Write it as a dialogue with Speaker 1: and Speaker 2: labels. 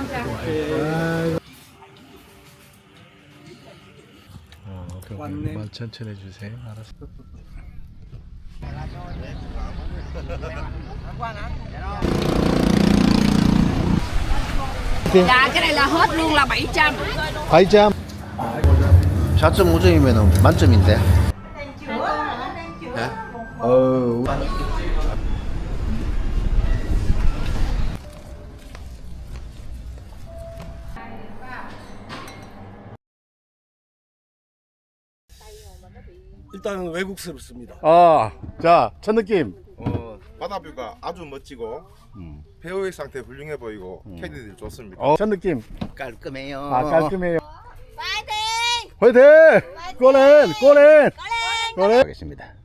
Speaker 1: 그만 천천히 해주세요. 알았어.
Speaker 2: Dạ cái này là hết luôn là 700.
Speaker 1: 7점.
Speaker 3: 4.5점이면 만점인데.
Speaker 4: 일단 외국스럽습니다.
Speaker 1: 자, 첫 느낌.
Speaker 5: 바다뷰가 아주 멋지고 배우의 상태 훌륭해 보이고 캐디들 좋습니다.
Speaker 1: 첫 느낌.
Speaker 3: 깔끔해요.
Speaker 1: 깔끔해요.
Speaker 2: 파이팅!
Speaker 1: 화이팅! 꼬렌! 꼬렌! 꼬렌!
Speaker 3: 하겠습니다.